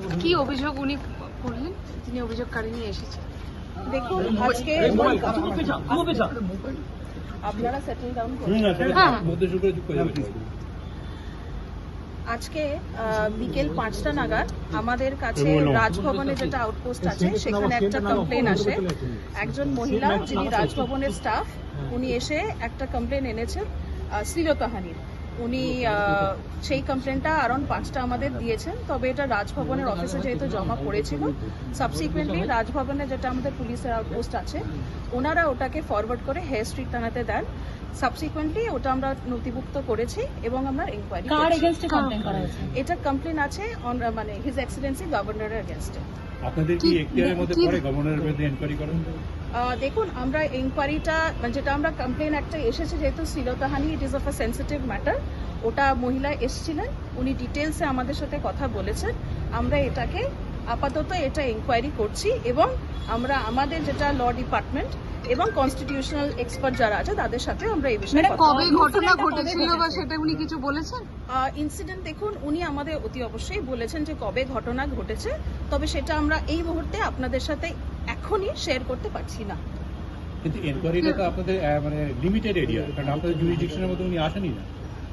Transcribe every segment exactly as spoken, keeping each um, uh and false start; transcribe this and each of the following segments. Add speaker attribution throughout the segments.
Speaker 1: কি অভিযোগ উনি করলেন, তিনি অভিযোগকারী নিয়ে এসেছেন?
Speaker 2: দেখুন, আজকে আপনারা সেটেল ডাউন করুন। আজকে বিকেল পাঁচটা নাগাদ আমাদের কাছে রাজভবনে যেটা আউটপোস্ট আছে সেখানে একটা কমপ্লেন আসে। একজন মহিলা যিনি রাজভবনের স্টাফ, উনি এসে একটা কমপ্লেন এনেছেন শ্লীলতাহানির। উনি সেই কমপ্লেনটা অ্যারাউন্ড পাঁচটা আমাদের দিয়েছেন, তবে এটা রাজভবনের অফিসে যেহেতু জমা পড়েছিল, সাবসিকুয়েন্টলি রাজভবনে যেটা আমাদের পুলিশের আউটপোস্ট আছে ওনারা ওটাকে ফরওয়ার্ড করে হেয়ার স্ট্রিট থানাতে দেন। সাবসিকুয়েন্টলি ওটা আমরা নথিভুক্ত করেছি এবং আমরা ইনকোয়ারি করছি। এটা কমপ্লেন আছে মানে হিজ এক্সেলেন্সি গভর্নরের এগেইনস্টে।
Speaker 3: আপনাদের কি এখতিয়ারের মধ্যে পড়ে গভর্নরের বিরুদ্ধে ইনকোয়ারি করেন?
Speaker 2: দেখুন, আমরা ইনকোয়ারিটা যেটা আমরা কমপ্লেন একটা এসেছে, যেহেতু শ্লীলতাহানি it is of a sensitive matter, ওটা মহিলা এসেছিলেন, উনি ডিটেলসে আমাদের সাথে কথা বলেছেন। আমরা এটাকে আপাতত এটা ইনকোয়ারি করছি এবং আমরা আমাদের যেটা ল ডিপার্টমেন্ট এবং কনস্টিটিউশনাল এক্সপার্ট যারা আছে তাদের সাথে আমরা এই বিষয়ে
Speaker 1: কবে ঘটনা ঘটেছিল বা সেটা উনি কিছু বলেছেন?
Speaker 2: ইনসিডেন্ট দেখুন, উনি আমাদের অতি অবশ্যই বলেছেন যে কবে ঘটনা ঘটেছে, তবে সেটা আমরা এই মুহূর্তে আপনাদের সাথে এখনই শেয়ার করতে পারছি না।
Speaker 3: কিন্তু এনকোয়ারিটা তো আপনাদের মানে লিমিটেড এরিয়া, কারণ আপনাদের জুরিসডিকশনের মধ্যে উনি আসেনি না।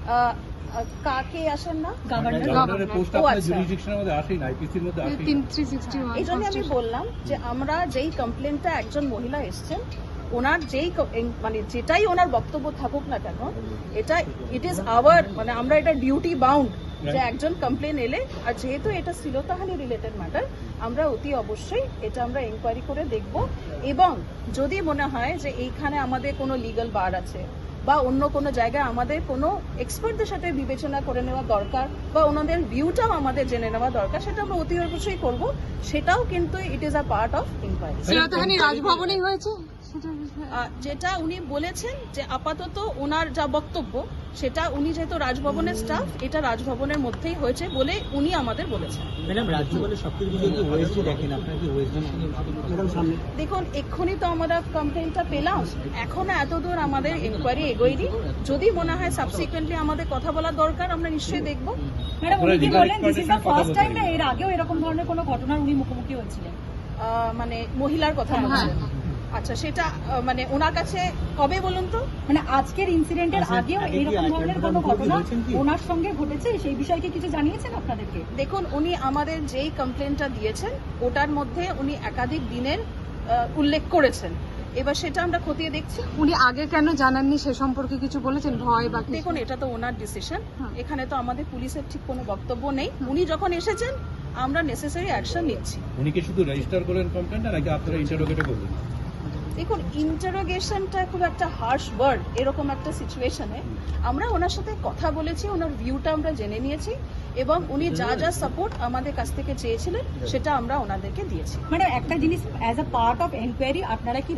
Speaker 2: কাকে আসেন না?
Speaker 3: গভর্নরের পোস্ট আপনাদের জুরিসডিকশনের মধ্যে আসেই না, আইপিসির মধ্যে আসেই না।
Speaker 2: এই জন্য আমি বললাম যে আমরা যেই কমপ্লেনটা একজন মহিলা এসছেন, ওনার যেই মানে যেটাই ওনার বক্তব্য থাকুক না কেন, এটা ইট ইজ আওয়ার মানে আমরা এটা ডিউটি বাউন্ড যে একজন কমপ্লেন এলে, আর যেহেতু এটা শ্লীলতাহানি রিলেটেড ম্যাটার, আমরা অতি অবশ্যই এটা আমরা এনকোয়ারি করে দেখব এবং যদি মনে হয় যে এইখানে আমাদের কোনো লিগ্যাল বার আছে বা অন্য কোনো জায়গায় আমাদের কোনো এক্সপার্টদের সাথে বিবেচনা করে নেওয়া দরকার বা ওনাদের ভিউটাও আমাদের জেনে নেওয়া দরকার, সেটা আমরা অতি অবশ্যই করব। সেটাও কিন্তু it is a part of inquiry.
Speaker 1: শ্লীলতাহানি রাজভবনেই হয়েছে
Speaker 2: যেটা উনি বলেছেন যে আপাতত ওনার যা বক্তব্য, সেটা উনি যেহেতু রাজভবনের স্টাফ, এটা রাজভবনের মধ্যেই হয়েছে বলে উনি আমাদের বলেছেন।
Speaker 4: ম্যাডাম, রাজভবনের সবকিছু যদি ওএসডি দেখেন, আপনারা কি ওএসডি
Speaker 2: দেখুন, এক্ষুনি তো আমরা কমপ্লেনটা পেলাম, এখনো এতদূর আমাদের ইনকোয়ারি এগোয়নি। যদি মনে হয় সাবসিকুয়েন্টলি আমাদের কথা বলা দরকার, আমরা নিশ্চয়ই দেখব।
Speaker 5: ম্যাডাম, উনি কি বললেন this is the first time না এর আগেও এরকম ধরনের কোনো ঘটনার উনি মুখোমুখি হয়েছিলেন?
Speaker 2: মানে মহিলার কথা বলছেন? আচ্ছা, সেটা মানে ওনার কাছে কবে বলুন তো?
Speaker 5: মানে আজকের ইনসিডেন্টের আগেও এরকম ধরনের কোনো ঘটনা ওনার সঙ্গে ঘটেছে, সেই বিষয়ে কি কিছু জানিয়েছেন আপনাদেরকে?
Speaker 2: দেখুন, উনি আমাদের যেই কমপ্লেনটা দিয়েছেন ওটার মধ্যে উনি একাধিক দিনের উল্লেখ করেছেন। এবার সেটা আমরা খতিয়ে দেখছি।
Speaker 1: উনি আগে কেন জানাননি সে সম্পর্কে কিছু বলেছেন? ভয় বা?
Speaker 2: দেখুন, এটা তো ওনার ডিসিশন, এখানে তো আমাদের পুলিশের ঠিক কোনো বক্তব্য নেই। উনি যখন এসেছেন আমরা নেসেসারি অ্যাকশন নিচ্ছি।
Speaker 3: উনি কি শুধু রেজিস্টার করলেন কমপ্লেনটা, নাকি আপনারা ইন্টারোগেটও করলেন?
Speaker 2: দেখুন, ইন্টারোগেশনটা খুব একটা হার্শ ওয়ার্ড। এরকম একটা সিচুয়েশনে আমরা ওনার সাথে কথা বলেছি, ওনার ভিউটা আমরা জেনে নিয়েছি এবং উনি যা যা সাপোর্ট আমাদের কাছ থেকে চেয়েছিলেন সেটা আমরা ওনাদেরকে দিয়েছি।
Speaker 5: মানে একটা জিনিস, as a part of enquiry আপনারা কি